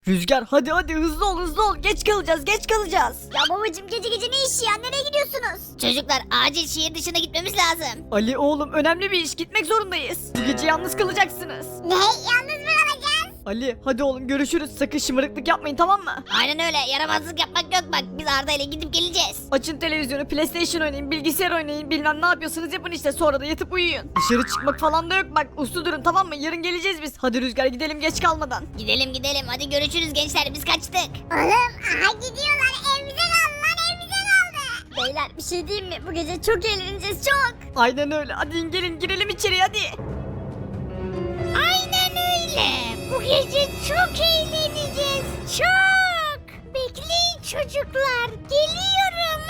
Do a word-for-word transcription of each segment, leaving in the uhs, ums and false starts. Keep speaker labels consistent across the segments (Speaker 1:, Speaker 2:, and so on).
Speaker 1: Rüzgar hadi hadi hızlı ol hızlı ol. Geç kalacağız geç kalacağız.
Speaker 2: Ya babacım gece gece ne işi ya? Nereye gidiyorsunuz? Çocuklar acil şehir dışına gitmemiz lazım.
Speaker 1: Ali oğlum önemli bir iş gitmek zorundayız. Bu gece yalnız kalacaksınız.
Speaker 2: Ne? Yalnız mı kalacağız?
Speaker 1: Ali hadi oğlum görüşürüz. Sakın şımarıklık yapmayın tamam mı?
Speaker 2: Aynen öyle. Yaramazlık yapmak yok bak. Biz Arda ile gidip geleceğiz.
Speaker 1: Açın televizyonu, PlayStation oynayın, bilgisayar oynayın, bilmem ne yapıyorsanız yapın işte sonra da yatıp uyuyun. Dışarı çıkmak falan da yok bak uslu durun tamam mı? Yarın geleceğiz biz. Hadi Rüzgar gidelim geç kalmadan.
Speaker 2: Gidelim gidelim. Hadi görüşürüz gençler. Biz kaçtık.
Speaker 3: Oğlum aha gidiyorlar evimize kaldı lan evimize kaldı.
Speaker 2: Beyler bir şey diyeyim mi? Bu gece çok eğleneceğiz çok.
Speaker 1: Aynen öyle. Hadi gelin girelim içeri hadi.
Speaker 2: Aynen öyle. Bu gece çok eğleneceğiz. Çok. Bekleyin çocuklar. Geliyorum.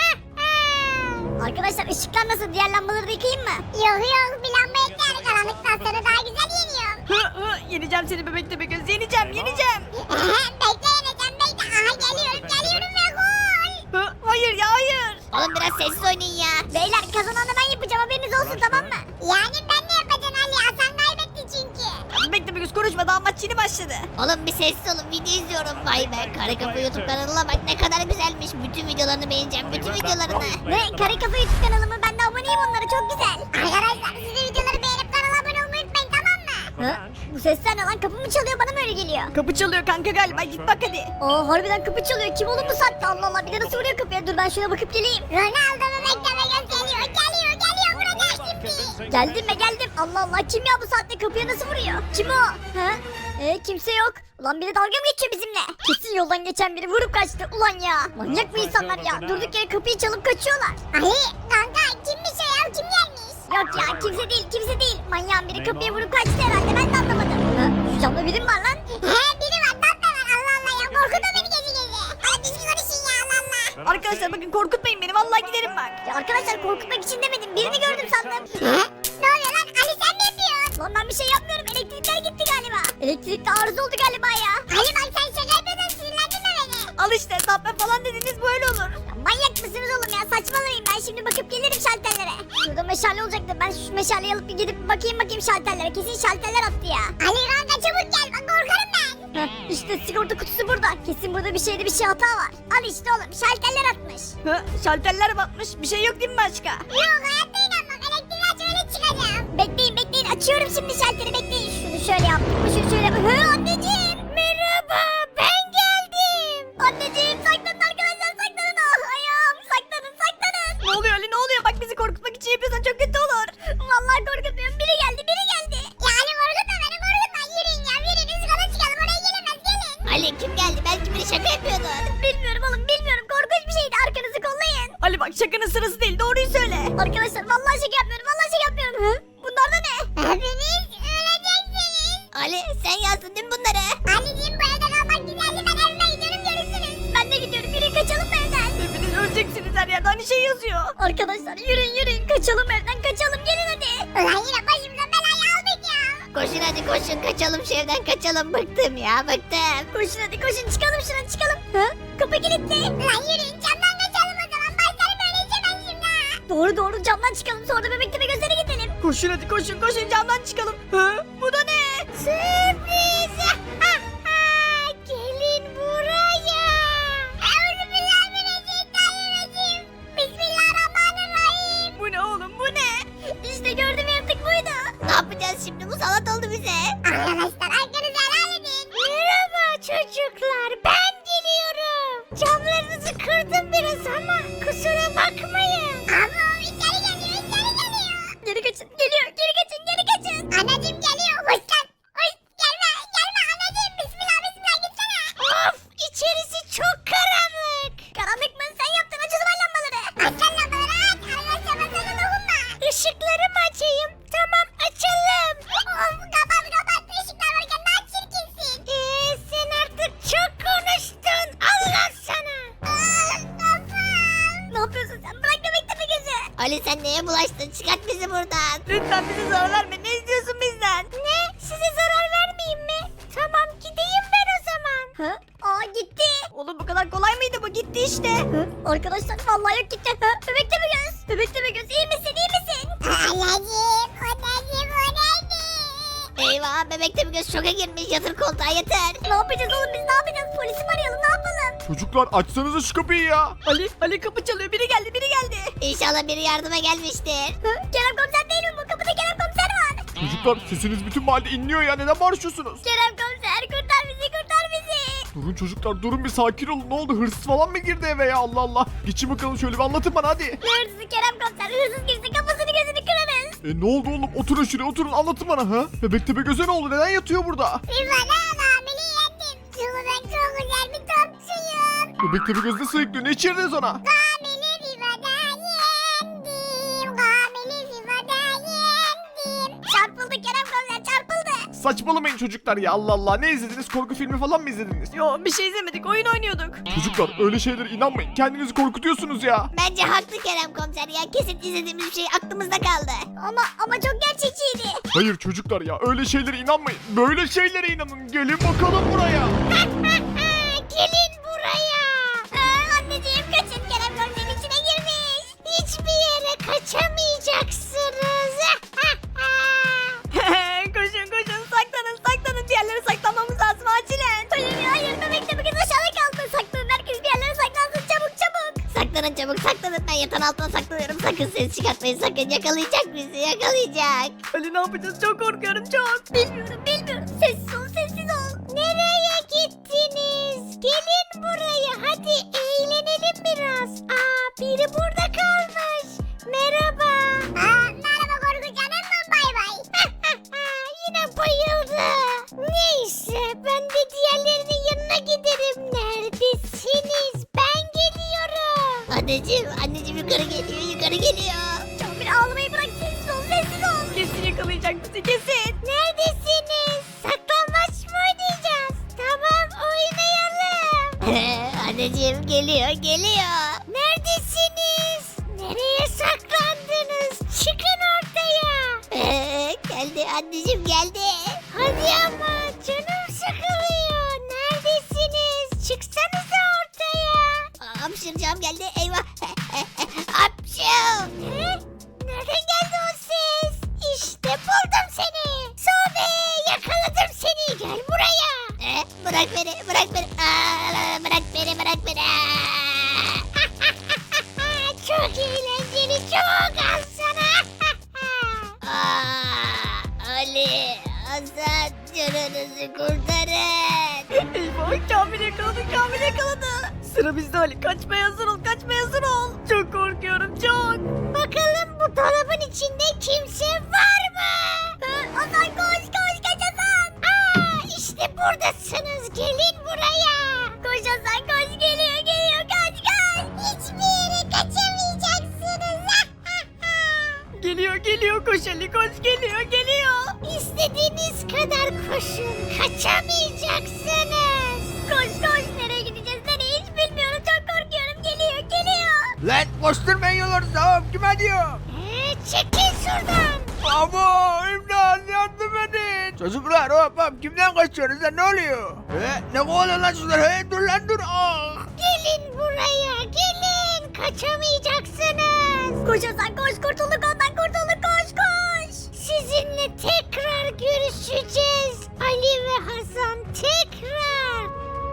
Speaker 2: Arkadaşlar ışıklar nasıl? Diğer lambaları da yıkayayım mı?
Speaker 3: Yok yok bir lamba ekler karanlıktan sonra daha güzel yeniyorum.
Speaker 1: Hı hı yeneceğim seni bebek tepe göz yeneceğim yeneceğim.
Speaker 3: bekle yeneceğim bekle. Aha geliyorum geliyorum ve gol.
Speaker 1: Hı, hayır ya hayır.
Speaker 2: Oğlum biraz sessiz oynayın ya. Beyler kazananı ben yapacağım haberiniz olsun tamam mı?
Speaker 3: Yani ben ne yapacağım Ali Hasan kaybetti çünkü.
Speaker 1: Bebek tepe göz konuşma daha maç yeni başladı.
Speaker 2: Oğlum bir sessiz olun video izliyorum. Vay be Kare Kafa YouTube kanalına bak ne kadar güzelmiş. Bütün videolarını beğeneceğim bütün videolarını. Ne Kare Kafa YouTube kanalı mı? Ben de aboneyim onlara çok güzel.
Speaker 3: Arkadaşlar siz de videoları beğenip kanala abone olmayı unutmayın tamam mı?
Speaker 2: Hı? Bu sesler ne lan kapı mı çalıyor bana mı öyle geliyor?
Speaker 1: Kapı çalıyor kanka galiba git bak hadi.
Speaker 2: Aa harbiden kapı çalıyor. Kim oğlum bu saatte? Allah Allah bir de nasıl vuruyor kapıya? Dur ben şuna bakıp geleyim.
Speaker 3: Ronaldo bebek de geliyor geliyor geliyor vuracak şimdi.
Speaker 2: Geldim be geldim. Allah Allah kim ya bu saatte kapıya nasıl vuruyor? Kim o? Ha? Ee, kimse yok. Ulan biri dalga mı geçiyor bizimle? Kesin yoldan geçen biri vurup kaçtı. Ulan ya. Manyak mı insanlar ya? Durduk yere kapıyı çalıp kaçıyorlar.
Speaker 3: Ali kanka kimmiş o ya kim gelmiş?
Speaker 2: Yok ya kimse değil kimse değil. Manyağın biri kapıya vurup kaçtı herhalde. Ben de anlamadım. Ha? Şu camda biri mi var lan?
Speaker 3: He biri var dat da var Allah Allah ya korkutma beni gece gece. Hadi düzgün konuşun ya Allah Allah.
Speaker 1: Arkadaşlar bakın korkutmayın beni vallahi giderim bak.
Speaker 2: Ya arkadaşlar korkutmak için demedim. Birini gördüm sandım.
Speaker 3: He? Ne oluyor lan Ali sen ne yapıyorsun?
Speaker 2: Lan ben bir şey yapmıyorum. Elektrikler gitti galiba. Elektrikte arıza oldu galiba ya.
Speaker 3: Ali bak sen şaka yapıyorsun sinirlendirme beni.
Speaker 1: Al işte tappe falan dediniz böyle olur.
Speaker 2: Ya manyak mısınız oğlum ya? Saçmalamayın. Ben şimdi bakıp gelirim şalterlere. Şurada meşale olacaktı. Ben şu meşaleyi alıp bir gidip bakayım bakayım şalterlere. Kesin şalterler attı ya.
Speaker 3: Ali kanka çabuk gel bak korkarım ben.
Speaker 2: Heh, işte sigorta kutusu burada. Kesin burada bir şeyde bir şey hata var. Al işte oğlum şalterler atmış.
Speaker 1: Hı, şalterler batmış bir şey yok değil mi başka?
Speaker 3: Yok hayatta inanmam elektriği aç öyle çıkacağım.
Speaker 2: Bekleyin bekleyin açıyorum şimdi şalteri bekleyin. Şunu şöyle yaptım mı şunu şöyle. Hı anneciğim. Merhaba ben geldim. Anneciğim saklanın arkadaşlar saklanın. Ah ayağım saklanın saklanın.
Speaker 1: Ne oluyor Ali ne oluyor bak bizi korkutmak için yapıyorsan çok kötü olur.
Speaker 2: Vallahi korkutmuyorum biri geldi biri geldi.
Speaker 3: Ya Ali korkutma beni korkutma yürüyün ya yürüyün üst kata çıkalım oraya gelemez gelin.
Speaker 2: Ali kim geldi belki biri şaka yapıyordu. Bilmiyorum oğlum bilmiyorum korkunç bir şeydi arkanızı kollayın.
Speaker 1: Ali bak şakanın sırası değil doğruyu söyle.
Speaker 2: Arkadaşlar vallahi şaka yapmıyorum vallahi şaka yapmıyorum. Hı? Bunlar da ne?
Speaker 3: Hepiniz öleceksiniz.
Speaker 2: Ali sen yazdın değil mi bunları?
Speaker 3: Anneciğim bu evde kalmak güzeldi ben evime gidiyorum görüşürüz.
Speaker 2: Ben de gidiyorum yürüyün kaçalım bu evden.
Speaker 1: Hepiniz öleceksiniz her yerde hani şey yazıyor.
Speaker 2: Arkadaşlar yürüyün yürüyün kaçalım evden kaçalım gelin hadi.
Speaker 3: Ulan yine başımıza belayı aldık ya.
Speaker 2: Koşun hadi koşun kaçalım şu evden kaçalım bıktım ya bıktım. Koşun hadi koşun çıkalım şuradan çıkalım. Ha? Kapı kilitli.
Speaker 3: Ulan yürüyün camdan kaçalım o zaman başlarım öyle içemem şimdi ha.
Speaker 2: Doğru doğru camdan çıkalım sonra da bebek tepe gözlere gidelim.
Speaker 1: Koşun hadi koşun koşun camdan çıkalım. Hı? Bu da ne?
Speaker 2: Sürpriz. Gelin buraya.
Speaker 3: Euzubillahimineşşeytanirracim. Bismillahirrahmanirrahim.
Speaker 1: Bu ne oğlum bu ne?
Speaker 2: İşte gördüm yaratık buydu. Ne yapacağız şimdi musallat oldu bize.
Speaker 3: Arkadaşlar arkanızı helal edin.
Speaker 2: Merhaba çocuklar ben geliyorum. Camlarınızı kırdım biraz ama kusura bakmayın.
Speaker 3: Ama içeri geliyor içeri geliyor.
Speaker 2: Geri kaçın geliyor geri kaçın geri kaçın.
Speaker 3: Anacım geliyor hoş lan. Hoş gelme gelme anacım bismillah bismillah gitsene.
Speaker 2: Of içerisi çok karanlık. Karanlık mı sen yaptın aç o zaman lambaları.
Speaker 3: Aç sen lambaları aç. Arkadaşlar ben sana dokunma.
Speaker 2: Işıkları mı açayım? Tamam açalım.
Speaker 3: Of kapat kapat ışıklar varken daha çirkinsin.
Speaker 2: Eee sen artık çok konuştun. Allah sana.
Speaker 3: Ah kafam.
Speaker 2: Ne yapıyorsun sen? Bırak bebek tepe gözü. Ali sen neye bulaştın? Çıkart bizi buradan.
Speaker 1: Lütfen bize zarar verme ne istiyorsun bizden?
Speaker 2: Ne? Size zarar vermeyeyim mi? Tamam gideyim ben o zaman. Hı? Aa gitti.
Speaker 1: Oğlum bu kadar kolay mıydı bu gitti işte.
Speaker 2: Hı? Arkadaşlar vallahi yok gitti. Hı? Bebek tepe göz. Bebek tepe göz iyi misin iyi misin?
Speaker 3: Anneciğim o neydi bu neydi?
Speaker 2: Eyvah
Speaker 3: acaba? Bebekte bir göz şoka girmiş. Yatır koltuğa yatır.
Speaker 2: Ne yapacağız oğlum biz ne yapacağız? Polisi mi arayalım ne yapalım?
Speaker 4: Çocuklar açsanıza şu kapıyı ya.
Speaker 1: Ali Ali kapı çalıyor biri geldi biri geldi.
Speaker 3: İnşallah biri yardıma gelmiştir.
Speaker 2: Hı? Kerem komiser değil mi bu? Kapıda Kerem komiser var.
Speaker 4: Çocuklar sesiniz bütün mahallede inliyor ya, neden bağırıyorsunuz?
Speaker 2: Kerem komiser kurtar bizi kurtar bizi.
Speaker 4: Durun çocuklar durun, bir sakin olun, ne oldu, hırsız falan mı girdi eve ya, Allah Allah. Geçin bakalım şöyle bir anlatın bana hadi.
Speaker 2: Ne hırsızı Kerem komiser? Hırsız girse kafasını gözünü kırarız.
Speaker 4: E ne oldu oğlum, oturun şuraya oturun, anlatın bana ha. Bebek Tepegöz'e ne oldu, neden yatıyor burada?
Speaker 3: Bir bana hamile yendim. Çünkü ben çok güzel bir topçuyum.
Speaker 4: Bebek Tepegöz ne sayıklıyor, ne içirdiniz ona?
Speaker 3: Hamile bir bana yendim. Hamile bir bana yendim.
Speaker 2: Çarpıldı Kerem komiser çarpıldı.
Speaker 4: Saçmalamayın çocuklar ya, Allah Allah, ne izlediniz, korku filmi falan mı izlediniz?
Speaker 1: Yo bir şey izlemedik oyun oynuyorduk.
Speaker 4: Çocuklar öyle şeylere inanmayın, kendinizi korkutuyorsunuz ya.
Speaker 3: Bence haklı Kerem komiser ya. Kesin izlediğimiz bir şey aklımızda kaldı.
Speaker 2: Ama ama çok gerçekçiydi.
Speaker 4: Hayır çocuklar ya, öyle şeylere inanmayın, böyle şeylere inanın, gelin bakalım buraya.
Speaker 3: Gelin buraya.
Speaker 2: Aa, anneciğim kaçın Kerem komiserin içine girmiş.
Speaker 3: Hiçbir yere kaçamayacaksınız.
Speaker 1: Koşun koşun saklanın saklanın diğerleri saklanmamız lazım acilen.
Speaker 2: Hayır ya hayır bebekte bugün aşağıda kaldı. Saklanın herkes bir yerlere saklansın çabuk çabuk.
Speaker 3: Saklanın çabuk saklanın. Ben yatağın altına saklanıyorum. Sakın ses çıkartmayın. Sakın yakalayacak bizi. Yakalayacak.
Speaker 1: Ali ne yapacağız çok korkuyorum çok.
Speaker 2: Bilmiyorum bilmiyorum. Sessiz ol sessiz ol.
Speaker 3: Nereye gittiniz? Gelin buraya. Hadi eğlenelim biraz. Aa, biri burada kalmış. Merhaba. Aa, merhaba Korkunç Hanım. Bay bay. Yine bayıldı. Neyse ben de diğerlerinin yanına giderim. Neredesiniz? Ben geliyorum. Anneciğim, anneciğim yukarı geliyor, yukarı geliyor.
Speaker 2: Kamil ağlamayı bırak sessiz ol sessiz ol.
Speaker 1: Kesin yakalayacak bizi kesin.
Speaker 3: Neredesiniz? Saklambaç mı oynayacağız? Tamam oynayalım. Anneciğim geliyor geliyor. Neredesiniz? Nereye saklandınız? Çıkın ortaya. Geldi anneciğim geldi. Hadi ama canım sıkılıyor. Neredesiniz? Çıksanıza ortaya. Hapşıracağım geldi eyvah. Hapşım. Nereden geldi o ses? İşte buldum seni. Sobe yakaladım seni. Gel buraya. E, bırak beni bırak beni. Aa, bırak beni bırak beni. Çok eğlenceli çok al sana. Aa, Ali Hasan canınızı kurtarın.
Speaker 1: Eyvah Kamil yakaladı Kamil yakaladı. Sıra bizde Ali kaçmaya hazır ol kaçmaya hazır ol. Çok korkuyorum çok.
Speaker 3: Bakalım bu dolabın içinde kimse var mı?
Speaker 2: Hasan koş koş kaç Hasan.
Speaker 3: Aa, işte buradasınız. Gelin buraya.
Speaker 2: Koş Hasan koş geliyor geliyor kaç kaç.
Speaker 3: Hiçbir yere kaçamayacaksınız.
Speaker 1: Geliyor geliyor koş Ali koş geliyor geliyor.
Speaker 3: İstediğiniz kadar koşun. Kaçamayacaksınız.
Speaker 2: Koş koş nereye gideceğiz nereye hiç bilmiyorum çok korkuyorum geliyor geliyor.
Speaker 5: Lan koşturmayın yolları tamam kime diyor?
Speaker 3: Ee, çekil şuradan.
Speaker 5: Abo imdat yardım edin. Çocuklar hop hop kimden kaçıyorsunuz lan ne oluyor? He, ne kovalıyor lan çocuklar he dur lan dur ah.
Speaker 3: Gelin buraya gelin. Kaçamayacaksınız.
Speaker 2: Koş Hasan koş kurtulduk ondan kurtulduk koş koş.
Speaker 3: Sizinle tekrar görüşeceğiz. Ali ve Hasan tekrar.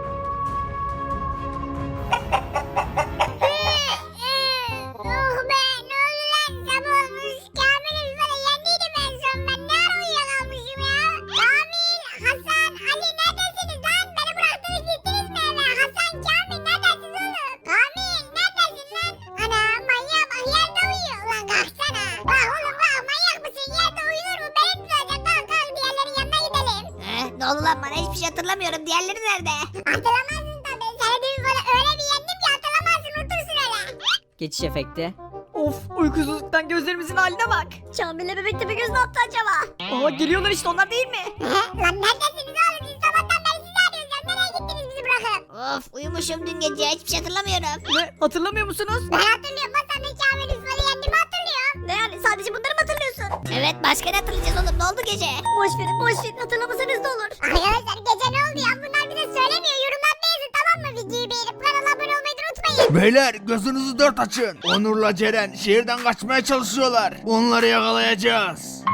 Speaker 3: Oh be ne oldu lan sabah olmuş. Kamil'i böyle yendiydim en son ben. Ne ara uyuyakalmışım ya. Kamil, Hasan, Ali neredesiniz lan? Beni bıraktınız gittiniz mi eve? Hasan, Kamil neredesiniz oğlum? Kamil neredesin lan? Ana manyak bak yerde uyuyor. Ulan kalksana. Bak oğlum bak manyak mısın? Yerde uyunur mu? Beni tutacak. Kalk kalk diğerlerin yanına gidelim. Eh, ne oldu lan bana hiçbir şey hatırlamıyorum. Diğerleri nerede? Hatırlamazsın tabii. Seni dün böyle öyle bir yendim ki hatırlamazsın. Unutursun öyle.
Speaker 1: Geçiş efekti. Of uykusuzluktan gözlerimizin haline bak.
Speaker 2: Kamil'le bebekte bir göz ne yaptı acaba?
Speaker 1: Aa geliyorlar işte onlar değil mi?
Speaker 3: Lan neredesiniz oğlum? Siz sabahtan beri sizi arıyoruz. Ya. Nereye gittiniz bizi bırakıp? Of uyumuşum dün gece. Hiçbir şey hatırlamıyorum.
Speaker 1: Ne hatırlamıyor musunuz?
Speaker 3: Ben hatırlıyorum. Hasan'la Kamil'i böyle yendiğimi hatırlıyorum.
Speaker 2: Ne yani sadece bunları mı hatırlıyorsun?
Speaker 3: Evet başka ne hatırlayacağız oğlum? Ne oldu gece?
Speaker 2: Boş verin boş verin hatırlamasanız da olur.
Speaker 3: Arkadaşlar gece ne oldu ya? Bunlar bize söylemiyor. Yorumlarda yazın tamam mı? Videoyu beğenip kanala abone olmayı da unutmayın.
Speaker 5: Beyler gözünüzü dört açın. Onur'la Ceren şehirden kaçmaya çalışıyorlar. Onları yakalayacağız.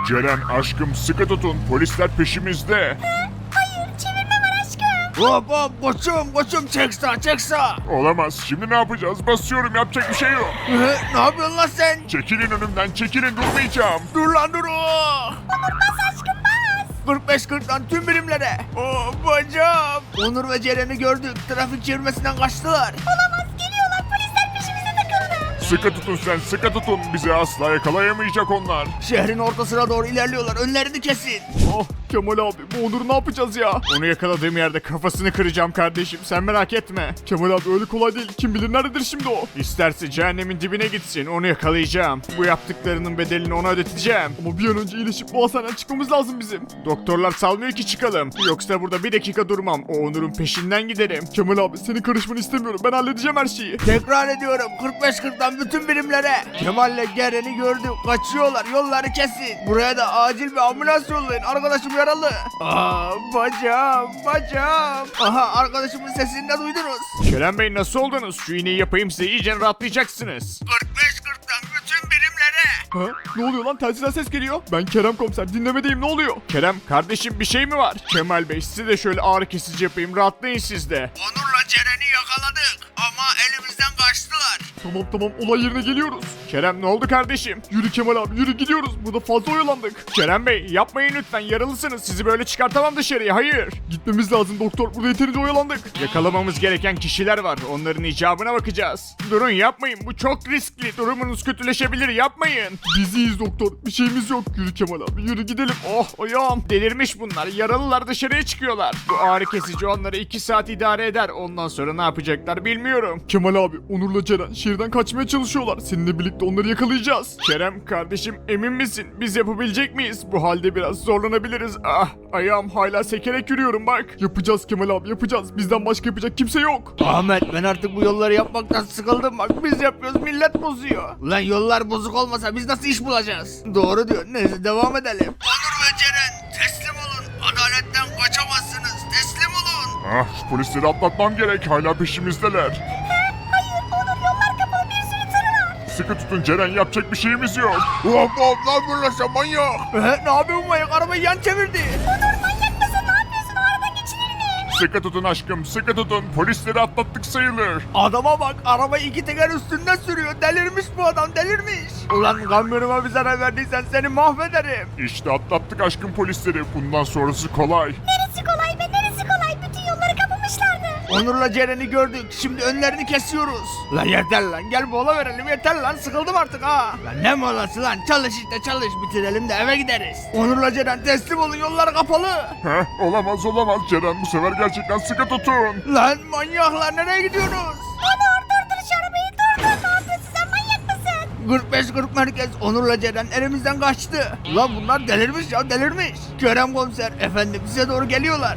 Speaker 6: Ceren aşkım sıkı tutun polisler peşimizde.
Speaker 3: Hayır çevirme var aşkım.
Speaker 5: Hop hop koçum koçum çek sağ çek sağ.
Speaker 6: Olamaz şimdi ne yapacağız basıyorum yapacak bir şey yok.
Speaker 5: Ee, ne yapıyorsun lan sen?
Speaker 6: Çekilin önümden çekilin durmayacağım.
Speaker 5: Dur lan dur. Oh.
Speaker 3: Bas aşkım bas.
Speaker 5: kırk beş kırktan tüm birimlere. Oh bacağım. Onur ve Ceren'i gördük. Trafik çevirmesinden kaçtılar.
Speaker 3: Olamaz geliyorlar polisler peşimize takıldı.
Speaker 6: Sıkı tutun sen sıkı tutun bizi asla yakalayamayacak onlar.
Speaker 5: Şehrin ortasına doğru ilerliyorlar. Önlerini kesin.
Speaker 4: Oh Kemal abi bu Onur'u ne yapacağız ya? Onu yakaladığım yerde kafasını kıracağım kardeşim sen merak etme. Kemal abi öyle kolay değil kim bilir nerededir şimdi o? İsterse cehennemin dibine gitsin onu yakalayacağım. Bu yaptıklarının bedelini ona ödeteceğim. Ama bir an önce iyileşip bu hastaneden çıkmamız lazım bizim. Doktorlar salmıyor ki çıkalım. Yoksa burada bir dakika durmam. O Onur'un peşinden giderim. Kemal abi senin karışmanı istemiyorum ben halledeceğim her şeyi.
Speaker 5: Tekrar ediyorum. kırk beş kırktan bütün birimlere. Kemal'le Ceren'i gördük. Kaçıyorlar. Yolları kesin. Buraya da acil bir ambulans yollayın. Arkadaşım yaralı. Aa bacağım bacağım. Aha arkadaşımın sesini de duydunuz.
Speaker 4: Kerem Bey nasıl oldunuz? Şu iğneyi yapayım size iyice rahatlayacaksınız.
Speaker 5: kırk beş kırktan bütün birimlere.
Speaker 4: Ha? Ne oluyor lan? Telsizden ses geliyor. Ben Kerem komiser dinlemedeyim ne oluyor? Kerem kardeşim bir şey mi var? Kemal Bey size de şöyle ağrı kesici yapayım rahatlayın siz de.
Speaker 5: Onur'la Ceren'i yakaladık. Ama elimizden kaçtılar.
Speaker 4: Tamam tamam olay yerine geliyoruz. Kerem ne oldu kardeşim? Yürü Kemal abi yürü gidiyoruz. Burada fazla oyalandık. Kerem Bey yapmayın lütfen yaralısınız. Sizi böyle çıkartamam dışarıya hayır. Gitmemiz lazım doktor. Burada yeterince oyalandık. Yakalamamız gereken kişiler var. Onların icabına bakacağız. Durun yapmayın bu çok riskli. Durumunuz kötüleşebilir yapmayın. Biz iyiyiz doktor. Bir şeyimiz yok. Yürü Kemal abi yürü gidelim. Oh ayağım. Delirmiş bunlar. Yaralılar dışarıya çıkıyorlar. Bu ağrı kesici onları iki saat idare eder. Ondan sonra ne yapacaklar bilmiyorum. Kemal abi Onur'la Ceren şehirden kaçmaya çalışıyorlar. Seninle birlikte onları yakalayacağız. Kerem kardeşim emin misin? Biz yapabilecek miyiz? Bu halde biraz zorlanabiliriz. Ah ayağım hala sekerek yürüyorum bak. Yapacağız Kemal abi yapacağız. Bizden başka yapacak kimse yok.
Speaker 5: Ahmet ben artık bu yolları yapmaktan sıkıldım bak. Biz yapıyoruz millet bozuyor. Ulan yollar bozuk olmasa biz nasıl iş bulacağız? Doğru diyor. Neyse devam edelim. Onur ve Ceren teslim olun. Adaletten kaçamazsınız. Teslim olun.
Speaker 6: Ah şu polisleri atlatmam gerek hala peşimizdeler.
Speaker 3: Hayır Onur yollar kapalı bir sürü tırı var.
Speaker 6: Sıkı tutun Ceren yapacak bir şeyimiz yok.
Speaker 5: Hop hop lan burası manyak. Ee, ne yapıyorsun manyak? Arabayı yan çevirdi.
Speaker 3: Onur manyak mısın ne yapıyorsun o aradan geçilir mi?
Speaker 6: Sıkı tutun aşkım sıkı tutun polisleri atlattık sayılır.
Speaker 5: Adama bak arabayı iki teker üstünde sürüyor. Delirmiş bu adam delirmiş. Ulan kamyonuma bir zarar verdiysen seni mahvederim.
Speaker 6: İşte atlattık aşkım polisleri bundan sonrası kolay.
Speaker 3: Neresi kolay be neresi kolay bütün yolları kapamışlardı.
Speaker 5: Onur'la Ceren'i gördük. Şimdi önlerini kesiyoruz. Lan yeter lan. Gel mola verelim yeter lan. Sıkıldım artık ha. Lan ne molası lan? Çalış işte çalış. Bitirelim de eve gideriz. Onur'la Ceren teslim olun. Yollar kapalı.
Speaker 6: Heh olamaz olamaz Ceren bu sefer gerçekten sıkı tutun.
Speaker 5: Lan manyaklar nereye gidiyorsunuz?
Speaker 3: Onur durdur şu arabayı durdur ne yapıyorsun sen manyak mısın?
Speaker 5: kırk beş kırk merkez Onur'la Ceren elimizden kaçtı. Lan bunlar delirmiş ya delirmiş. Kerem komiser efendim size doğru geliyorlar.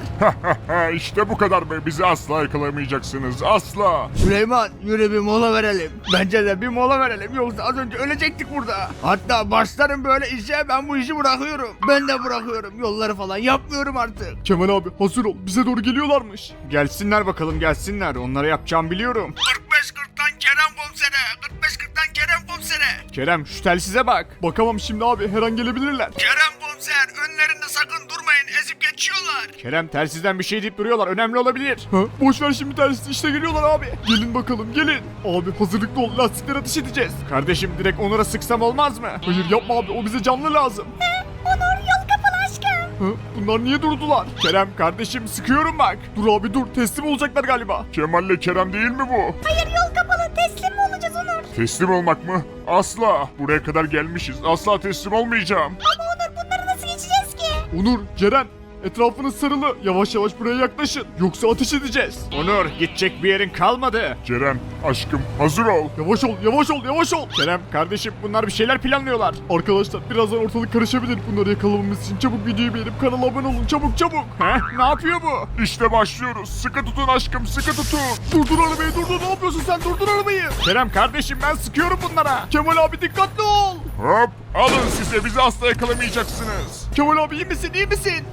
Speaker 6: işte bu kadar be bizi asla yakalayamayacaksınız asla.
Speaker 5: Süleyman yürü bir mola verelim. Bence de bir mola verelim yoksa az önce ölecektik burada. Hatta başlarım böyle işe ben bu işi bırakıyorum. Ben de bırakıyorum yolları falan yapmıyorum artık.
Speaker 4: Kemal abi hazır ol bize doğru geliyorlarmış. Gelsinler bakalım gelsinler onlara yapacağım biliyorum.
Speaker 5: kırk beş kırktan Kerem komisere. kırk beş kırktan Kerem komisere.
Speaker 4: Kerem şu telsize bak. Bakamam şimdi abi her an gelebilirler.
Speaker 5: Kerem komiser önlerinde sakın durmayın ezip geçiyorlar.
Speaker 4: Kerem telsizden bir şey deyip duruyorlar önemli olabilir. Ha, boş ver şimdi telsiz işte geliyorlar abi. Gelin bakalım gelin. Abi hazırlıklı ol lastikleri ateş edeceğiz. Kardeşim direkt Onur'a sıksam olmaz mı? Hayır yapma abi o bize canlı lazım.
Speaker 3: Onur yol kapalı aşkım.
Speaker 4: Ha, bunlar niye durdular? Kerem kardeşim sıkıyorum bak. Dur abi dur teslim olacaklar galiba.
Speaker 6: Kemal'le Kerem değil mi bu?
Speaker 3: Hayır yol kapalı teslim mi olacağız Onur?
Speaker 6: Teslim olmak mı? Asla. Buraya kadar gelmişiz. Asla teslim olmayacağım.
Speaker 3: Ama Onur bunları nasıl geçeceğiz ki?
Speaker 4: Onur, Ceren etrafınız sarılı. Yavaş yavaş buraya yaklaşın. Yoksa ateş edeceğiz. Onur gidecek bir yerin kalmadı.
Speaker 6: Ceren aşkım hazır ol.
Speaker 4: Yavaş ol, yavaş ol, yavaş ol. Kerem kardeşim bunlar bir şeyler planlıyorlar. Arkadaşlar birazdan ortalık karışabilir. Bunları yakalamamız için çabuk videoyu beğenip kanala abone olun. Çabuk çabuk. Heh, ne yapıyor bu?
Speaker 6: İşte başlıyoruz. Sıkı tutun aşkım sıkı tutun.
Speaker 4: Durdur arabayı durdur. Ne yapıyorsun sen? Durdur arabayı. Kerem kardeşim ben sıkıyorum bunlara. Kemal abi dikkatli ol.
Speaker 6: Hop alın size bizi asla yakalamayacaksınız.
Speaker 4: Kemal abi iyi misin? İyi misin?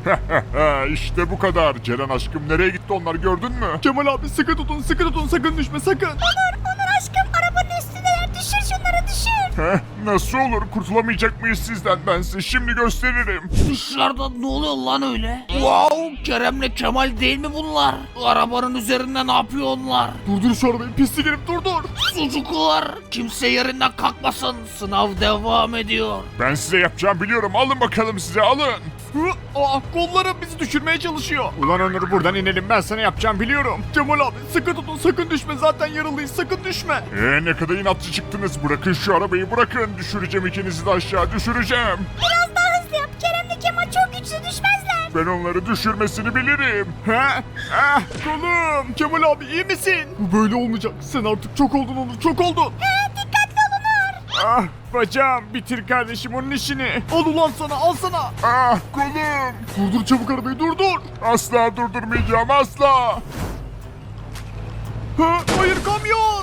Speaker 6: işte bu kadar. Ceren aşkım nereye gitti onlar gördün mü?
Speaker 4: Kemal abi sıkı tutun, sıkı tutun. Sakın düşme sakın.
Speaker 3: Onur Onur aşkım arabanın üstündeler düşür şunları düşür.
Speaker 6: Heh, nasıl olur? Kurtulamayacak mıyız sizden? Ben size şimdi gösteririm.
Speaker 5: Dışarıda ne oluyor lan öyle? Wow, Kerem'le Kemal değil mi bunlar? Arabanın üzerinde ne yapıyor onlar?
Speaker 4: Durdur şu arabayı pislik herif durdur.
Speaker 5: Sucuklar, kimse yerinden kalkmasın. Sınav devam ediyor.
Speaker 6: Ben size yapacağımı biliyorum. Alın bakalım size alın.
Speaker 4: Hı, aa, kollarım bizi düşürmeye çalışıyor. Ulan Onur buradan inelim, ben sana yapacağım biliyorum. Kemal abi sıkı tutun, sakın düşme, zaten yaralıyız, sakın düşme.
Speaker 6: Ee, ne kadar inatçı çıktınız. Bırakın şu arabayı bırakın. Düşüreceğim ikinizi de aşağı düşüreceğim.
Speaker 3: Biraz daha hızlı yap. Kerem'le Kemal çok güçlü düşmezler.
Speaker 6: Ben onları düşürmesini bilirim.
Speaker 4: He? Ah kolum. Kemal abi iyi misin? Bu böyle olmayacak. Sen artık çok oldun Onur, çok oldun.
Speaker 3: He, dikkatli olun Onur.
Speaker 4: Ah bacağım, bitir kardeşim onun işini. Al ulan sana, al sana.
Speaker 6: Ah kolum.
Speaker 4: Durdur çabuk arabayı, durdur.
Speaker 6: Asla durdurmayacağım asla.
Speaker 4: Ha, hayır kamyon.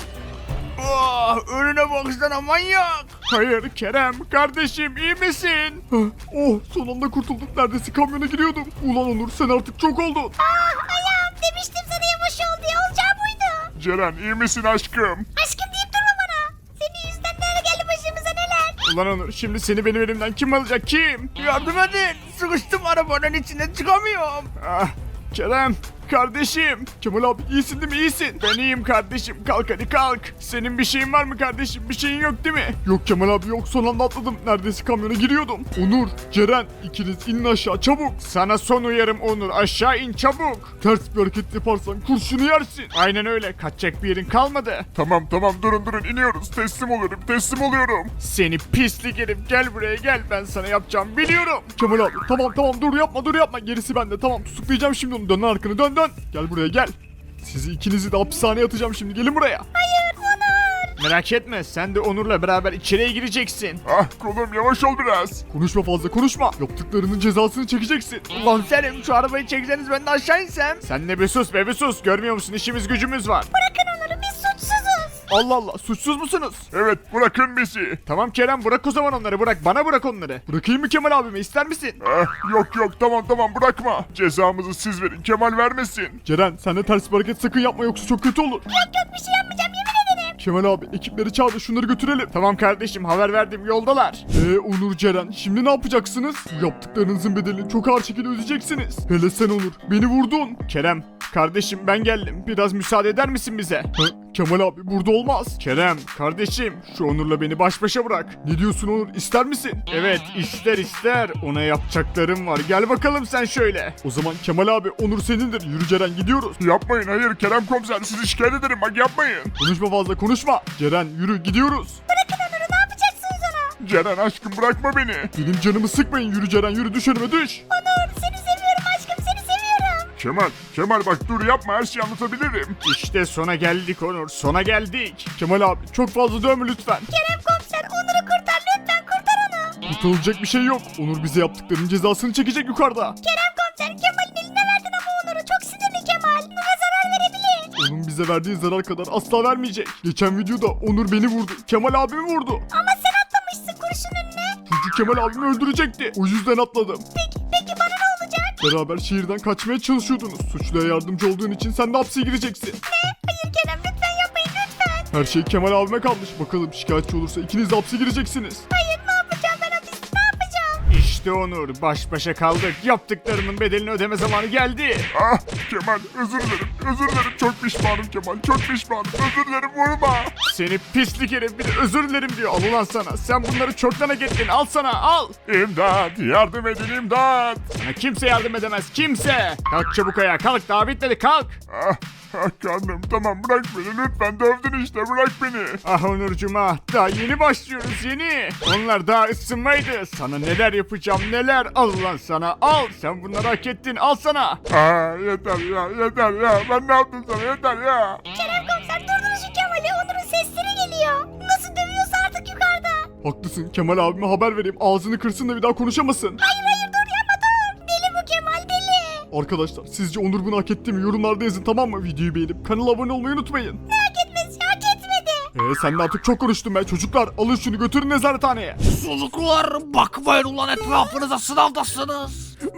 Speaker 5: Ah, önüne baksana manyak.
Speaker 4: Hayır Kerem, kardeşim iyi misin? Hah, oh son anda kurtulduk, neredeyse kamyona giriyordum. Ulan Onur sen artık çok oldun.
Speaker 3: Ah ayağım, demiştim sana yavaş ol diye, olacağı buydu.
Speaker 6: Ceren iyi misin aşkım?
Speaker 3: Aşkım deyip durma bana. Senin yüzünden neler geldi başımıza neler.
Speaker 4: Ulan Onur şimdi seni benim elimden kim alacak, kim?
Speaker 5: Yardım edin. Sıkıştım arabanın içine, çıkamıyorum.
Speaker 4: Ah Kerem kardeşim. Kemal abi iyisin değil mi, iyisin? Ben iyiyim kardeşim, kalk hadi kalk. Senin bir şeyin var mı kardeşim, bir şeyin yok değil mi? Yok Kemal abi yok, son anda atladım, neredeyse kamyona giriyordum. Onur, Ceren ikiniz inin aşağı çabuk. Sana son uyarım Onur, aşağı in çabuk. Ters bir hareket yaparsan kurşunu yersin. Aynen öyle, kaçacak bir yerin kalmadı.
Speaker 6: Tamam tamam durun durun iniyoruz. Teslim oluyorum teslim oluyorum.
Speaker 4: Seni pislik herif, gel buraya gel, ben sana yapacağım biliyorum. Kemal abi tamam tamam dur yapma dur yapma, gerisi bende, tamam tutuklayacağım şimdi onu, dön lan arkanı dön dön. Gel buraya gel. Sizi ikinizi de hapishaneye atacağım şimdi, gelin buraya.
Speaker 3: Hayır Onur.
Speaker 4: Merak etme, sen de Onur'la beraber içeriye gireceksin.
Speaker 6: Ah kolum yavaş ol biraz.
Speaker 4: Konuşma fazla konuşma, yaptıklarının cezasını çekeceksin.
Speaker 5: Komiserim şu arabayı çekseniz ben de aşağı insem.
Speaker 4: Sen de bir sus be bir sus, görmüyor musun işimiz gücümüz var.
Speaker 3: Bırakın Onur'u, biz suçsuzuz.
Speaker 4: Allah Allah, suçsuz musunuz?
Speaker 6: Evet bırakın bizi.
Speaker 4: Tamam Kerem bırak o zaman onları, bırak bana, bırak onları. Bırakayım mı Kemal abime, ister misin?
Speaker 6: Ah, yok yok tamam tamam bırakma. Cezamızı siz verin Kemal vermesin.
Speaker 4: Ceren sen de ters bir hareket sakın yapma, yoksa çok kötü olur.
Speaker 3: Yok yok, bir şey yapmayacağım, yemin ederim.
Speaker 4: Kemal abi ekipleri çağır da şunları götürelim. Tamam kardeşim, haber verdim, yoldalar. Eee Onur, Ceren şimdi ne yapacaksınız? Bu yaptıklarınızın bedelini çok ağır şekilde ödeyeceksiniz. Hele sen Onur, beni vurdun. Kerem kardeşim ben geldim, biraz müsaade eder misin bize? Hı? Kemal abi burada olmaz. Kerem kardeşim şu Onur'la beni baş başa bırak. Ne diyorsun Onur, ister misin? Evet ister ister, ona yapacaklarım var, gel bakalım sen şöyle. O zaman Kemal abi Onur senindir, yürü Ceren gidiyoruz.
Speaker 6: Yapmayın hayır Kerem komiser sizi şikayet ederim bak yapmayın.
Speaker 4: Konuşma fazla konuşma. Ceren yürü gidiyoruz.
Speaker 3: Bırakın Onur'u, ne yapacaksınız ona?
Speaker 6: Ceren aşkım bırakma beni.
Speaker 4: Benim canımı sıkmayın, yürü Ceren yürü, düş önüme düş.
Speaker 3: Onur, seni seviyorum aşkım, seni seviyorum.
Speaker 6: Kemal Kemal bak dur yapma her şeyi anlatabilirim.
Speaker 4: İşte sona geldik Onur, sona geldik. Kemal abi çok fazla dövme lütfen.
Speaker 3: Kerem komiser, Onur'u kurtar lütfen, kurtar onu.
Speaker 4: Kurtarılacak bir şey yok. Onur bize yaptıklarının cezasını çekecek yukarıda.
Speaker 3: Kerem komiser, Kemal'in eline verdin ama Onur'u, çok sinirli Kemal. Ona zarar verebilir.
Speaker 4: Onun bize verdiği zarar kadar asla vermeyecek. Geçen videoda Onur beni vurdu, Kemal abimi vurdu.
Speaker 3: Ama sen atlamışsın kurşun önüne.
Speaker 4: Çünkü Kemal abimi öldürecekti. O yüzden atladım.
Speaker 3: Peki, peki bana ne olacak?
Speaker 4: Beraber şehirden kaçmaya çalışıyordunuz. Suçluya yardımcı olduğun için sen de hapse gireceksin.
Speaker 3: Ne? Hayır Kerem, lütfen yapmayın lütfen.
Speaker 4: Her şey Kemal abime kalmış. Bakalım şikayetçi olursa ikiniz de hapse gireceksiniz.
Speaker 3: Hayır, ne yapacağım ben hapiste, ne yapacağım?
Speaker 4: İşte Onur, baş başa kaldık. Yaptıklarının bedelini ödeme zamanı geldi.
Speaker 6: Ah Kemal özür dilerim özür dilerim çok pişmanım Kemal çok pişmanım özür dilerim vurma.
Speaker 4: Seni pislik herif, bir de özür dilerim diyor. Al ulan sana. Sen bunları çoktan hak ettin. Al sana al.
Speaker 6: İmdat yardım edin imdat.
Speaker 4: Sana kimse yardım edemez. Kimse. Kalk çabuk ayağa. Kalk, daha bitmedi. Kalk.
Speaker 6: Ah, ah karnım tamam bırak beni lütfen dövdün işte bırak beni.
Speaker 4: Ah Onurcuğum ah. Daha yeni başlıyoruz yeni. Onlar daha ısınmaydı. Sana neler yapacağım neler. Al ulan sana. Al. Sen bunları hak ettin. Al sana.
Speaker 6: Ah yeter ya yeter ya ben ne yaptım sana yeter ya.
Speaker 3: Kerem komiser, durdurun şu Kemal'i, Onur'un sesleri geliyor. Nasıl dövüyorsa artık yukarıda.
Speaker 4: Haklısın. Kemal abime haber vereyim. Ağzını kırsın da bir daha konuşamasın.
Speaker 3: Hayır hayır, dur yapma dur. Deli bu Kemal, deli.
Speaker 4: Arkadaşlar sizce Onur bunu hak etti mi? Yorumlarda yazın, tamam mı? Videoyu beğenip kanala abone olmayı unutmayın.
Speaker 3: Ne hak etmesi, hak etmedi.
Speaker 4: Eee sen de artık çok konuştun be. Çocuklar alın şunu, götürün nezarethaneye.
Speaker 5: Çocuklar bakmayın ulan, etrafınıza, sınavdasınız.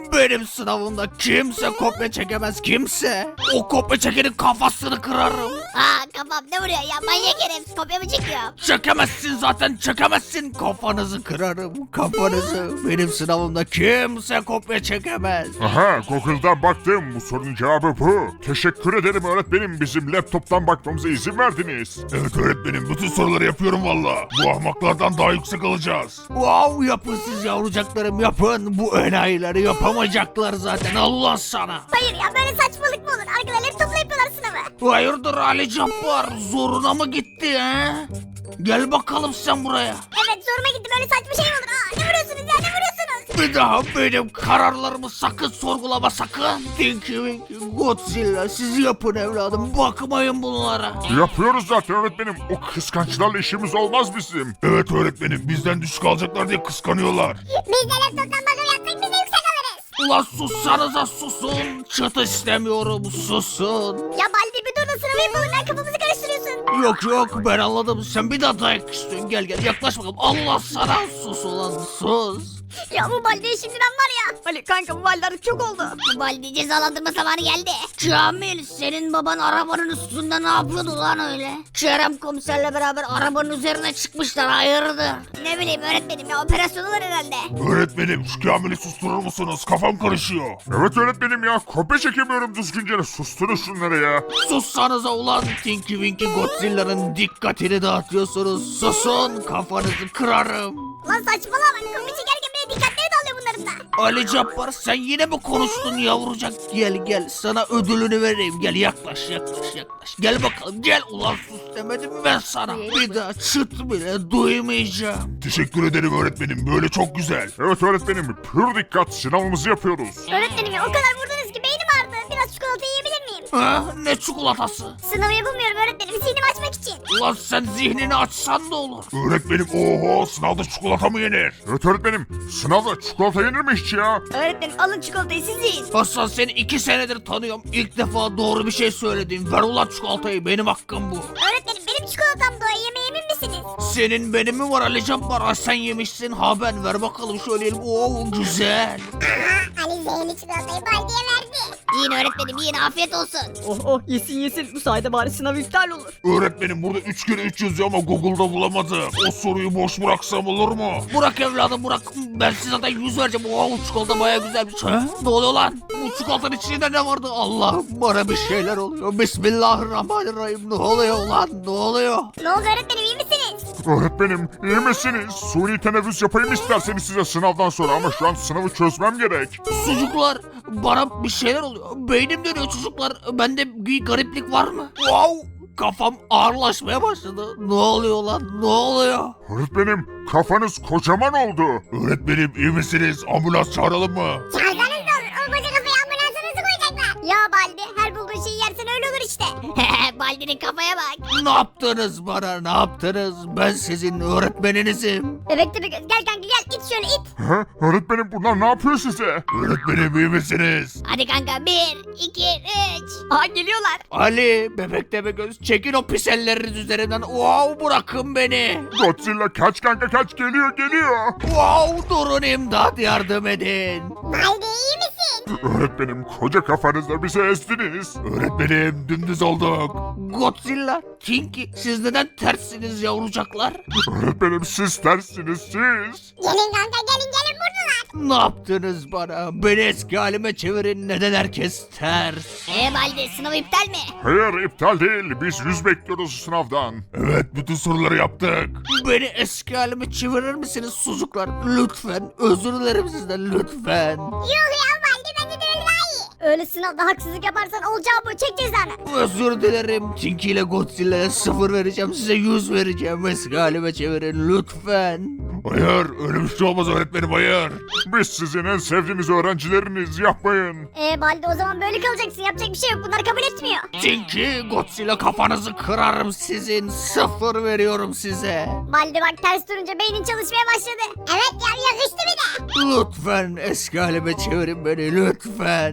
Speaker 5: Benim sınavımda kimse kopya çekemez kimse. O kopya çekenin kafasını kırarım.
Speaker 3: Aa kafam ne vuruyor ya manyak herif kopya mı çekiyor?
Speaker 5: Çekemezsin zaten çekemezsin. Kafanızı kırarım kafanızı. Benim sınavımda kimse kopya çekemez.
Speaker 6: Aha Google'dan baktım. Bu sorunun cevabı bu. Teşekkür ederim öğretmenim. Bizim laptoptan bakmamıza izin verdiniz.
Speaker 7: Evet öğretmenim bütün soruları yapıyorum valla. Bu ahmaklardan daha yüksek alacağız.
Speaker 5: Wow yapın siz yavrucaklarım yapın. Bu enayileri yapamayacaklar zaten Allah sana.
Speaker 2: Hayır ya böyle saçmalık mı olur? Arkadaşlar laptopla yapıyorlar sınavı.
Speaker 5: Hayırdır Ali Cabbar zoruna mı gitti he? Gel bakalım sen buraya.
Speaker 2: Evet zoruma gitti böyle saçma şey mi olur? Aa, ne vuruyorsunuz ya ne vuruyorsunuz?
Speaker 5: Bir daha benim kararlarımı sakın sorgulama sakın. Tinky Winky Godzilla siz yapın evladım bakmayın bunlara.
Speaker 6: Yapıyoruz zaten öğretmenim. O kıskançlarla işimiz olmaz bizim.
Speaker 7: Evet öğretmenim bizden düşük alacaklar diye kıskanıyorlar.
Speaker 3: Biz de laptoptan bakım yapsak biz de yüksek alırız.
Speaker 5: Ulan sussanıza susun. Çıt istemiyorum susun.
Speaker 2: Ya Baldi bir dur da sınavı yapalım ya kafamızı karıştırıyorsun.
Speaker 5: Yok yok ben anladım sen bir daha dayak istiyorsun gel gel yaklaş bakalım. Allah sana sus ulan sus.
Speaker 2: Ya bu Baldi'ye şimdiden var ya.
Speaker 1: Ali kanka bu valide artık çok oldu.
Speaker 3: Bu Baldi cezalandırma zamanı geldi.
Speaker 5: Kamil senin baban arabanın üstünde ne yapıyordu lan öyle? Kerem komiserle beraber arabanın üzerine çıkmışlar hayırdır?
Speaker 3: Ne bileyim öğretmenim ya operasyonu var herhalde.
Speaker 7: Öğretmenim şu Kamil'i susturur musunuz? Kafam karışıyor.
Speaker 6: Evet öğretmenim ya. Kopya çekemiyorum düzgünce. Susturun şunları ya.
Speaker 5: Sussanıza ulan Tinky Winky Godzilla'nın dikkatini dağıtıyorsunuz. Susun kafanızı kırarım.
Speaker 2: Lan saçmalama kapı çekerken bile dikkatleri dağılıyor bunların da.
Speaker 5: Ali Cabbar sen yine mi konuştun yavrucak? Gel gel sana ödülünü vereyim. Gel yaklaş yaklaş yaklaş. Gel bakalım gel ulan sus demedim mi ben sana. Bir daha çıt bile duymayacağım.
Speaker 7: Teşekkür ederim öğretmenim böyle çok güzel.
Speaker 6: Evet öğretmenim. Pür dikkat sınavımızı yapıyoruz.
Speaker 2: Öğretmenim ya o kadar vurdunuz ki beynim ağrıdı. Biraz çikolata yiyebilir miyim?
Speaker 5: Ha, ne çikolatası?
Speaker 2: Sınavı yapamıyorum öğretmenim zihnimi açmak için.
Speaker 5: Ulan sen zihnini açsan da olur.
Speaker 7: Öğretmenim oho sınavda çikolata mı yenir?
Speaker 6: Evet öğretmenim. Sınavda çikolata yenir mi hiç ya?
Speaker 1: Öğretmenim alın çikolatayı siz yiyin.
Speaker 5: Hasan seni iki senedir tanıyorum. İlk defa doğru bir şey söyledim. Ver ulan çikolatayı benim hakkım bu.
Speaker 2: Öğretmenim benim çikolatam doğru yemeğe emin misiniz?
Speaker 5: Senin benim mi var Ali Cabbar? Ha, sen yemişsin ha ben ver bakalım şöyle yiyelim. Oo güzel.
Speaker 3: Aha Ali zehirli çikolatayı Baldi'ye verdi. Yiyin öğretmenim yiyin afiyet olsun.
Speaker 1: Oh oh yesin yesin bu sayede bari sınav iptal olur.
Speaker 7: Öğretmenim burada üç kere üç yazıyor ama Google'da bulamadım. O soruyu boş bıraksam olur mu?
Speaker 5: Bırak evladım bırak. Ben size zaten yüz vereceğim. Oo çikolata baya güzelmiş. Ha? Ne oluyor lan? Bu çikolatanın içinde ne vardı? Allah bana bir şeyler oluyor. Bismillahirrahmanirrahim. Ne oluyor lan? Ne oluyor?
Speaker 2: Ne oldu öğretmenim iyi misiniz?
Speaker 6: Öğretmenim iyi misiniz? Suni teneffüs yapayım isterseniz size sınavdan sonra ama şu an sınavı çözmem gerek.
Speaker 5: Çocuklar bana bir şeyler oluyor. Beynim dönüyor çocuklar. Bende bir gariplik var mı? Wow. Kafam ağırlaşmaya başladı. Ne oluyor lan? Ne oluyor?
Speaker 6: Öğretmenim kafanız kocaman oldu.
Speaker 7: Öğretmenim iyi misiniz? Ambulans çağıralım mı?
Speaker 3: Çağırsanız da olur o koca kafayı ambulansa nasıl koyacaklar?
Speaker 2: Ya Baldi her bulduğun şeyi yersen öyle olur işte.
Speaker 3: Baldi'nin kafaya bak.
Speaker 5: Ne yaptınız bana? Ne yaptınız? Ben sizin öğretmeninizim.
Speaker 2: Bebek tepe göz gel kanka gel it şöyle it.
Speaker 6: He? Öğretmenim bunlar ne yapıyor size?
Speaker 7: Öğretmenim iyi misiniz?
Speaker 3: Hadi kanka bir iki üç.
Speaker 1: Aha geliyorlar.
Speaker 5: Ali, bebek deme göz, çekin o pis elleriniz üzerimden. Wow, bırakın beni.
Speaker 6: Godzilla kaç kanka kaç geliyor geliyor.
Speaker 5: Wow, durun imdat yardım edin.
Speaker 3: Baldi iyi misin?
Speaker 6: Öğretmenim koca kafanızla bizi ezdiniz.
Speaker 7: Öğretmenim dümdüz olduk.
Speaker 5: Godzilla, Tinky, siz neden terssiniz yavrucaklar?
Speaker 6: Öğretmenim siz tersiniz siz.
Speaker 3: Gelin kanka gelin gelin buradalar.
Speaker 5: Ne yaptınız bana? Beni eski halime çevirin. Neden herkes ters?
Speaker 3: Eee Baldi sınav iptal mi?
Speaker 6: Hayır iptal değil biz yüz bekliyoruz sınavdan.
Speaker 7: Evet bütün soruları yaptık.
Speaker 5: Beni eski halime çevirir misiniz sucuklar? Lütfen, özür dilerim sizden lütfen.
Speaker 3: Yok ya Baldi bence de öyle daha iyi.
Speaker 2: Öyle sınavda haksızlık yaparsan olacağı bu çek cezanı.
Speaker 5: Özür dilerim. Tinky ile Godzilla'ya sıfır vereceğim. Size yüz vereceğim. Eski halime çevirin lütfen.
Speaker 7: Hayır öyle bir şey olmaz öğretmenim hayır.
Speaker 6: Biz sizin en sevdiğiniz öğrencileriniz yapmayın.
Speaker 2: Ee Baldi o zaman böyle kalacaksın yapacak bir şey yok bunlar kabul etmiyor.
Speaker 5: Tinky, Godzilla kafanızı kırarım sizin. Sıfır veriyorum size.
Speaker 2: Baldi bak ters durunca beynin çalışmaya başladı.
Speaker 3: Evet ya yakıştı bir de.
Speaker 5: Lütfen eski halime çevirin beni lütfen.
Speaker 2: Arkadaşlar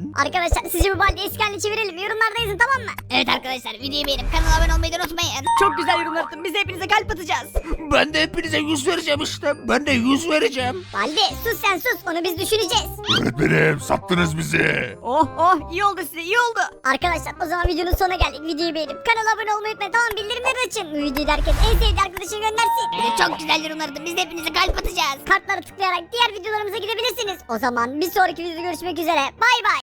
Speaker 2: arkadaşlar sizce bu baldeyi eski haline çevirelim. Yorumlarda yazın, tamam mı?
Speaker 3: Evet arkadaşlar videoyu beğenip kanala abone olmayı da unutmayın.
Speaker 1: Çok güzel yorumlar atın. Biz de hepinize kalp atacağız.
Speaker 5: Ben de hepinize yüz vereceğim işte. Ben de yüz vereceğim.
Speaker 2: Baldi sus sen sus, onu biz düşüneceğiz.
Speaker 7: Öğretmenim sattınız bizi.
Speaker 1: Oh oh iyi oldu size iyi oldu.
Speaker 2: Arkadaşlar o zaman videonun sonuna geldik. Videoyu beğenip kanala abone olmayı unutmayın, tamam, bildirimleri açın. Bu videoyu da herkes en sevdiği arkadaşına göndersin.
Speaker 3: Evet çok güzel yorumlar atın. Biz de hepinize kalp atacağız.
Speaker 2: Kartlara tıklayarak diğer videolarımıza gidebilirsiniz. O zaman bir sonraki videoda görüşmek üzere. Bay bay.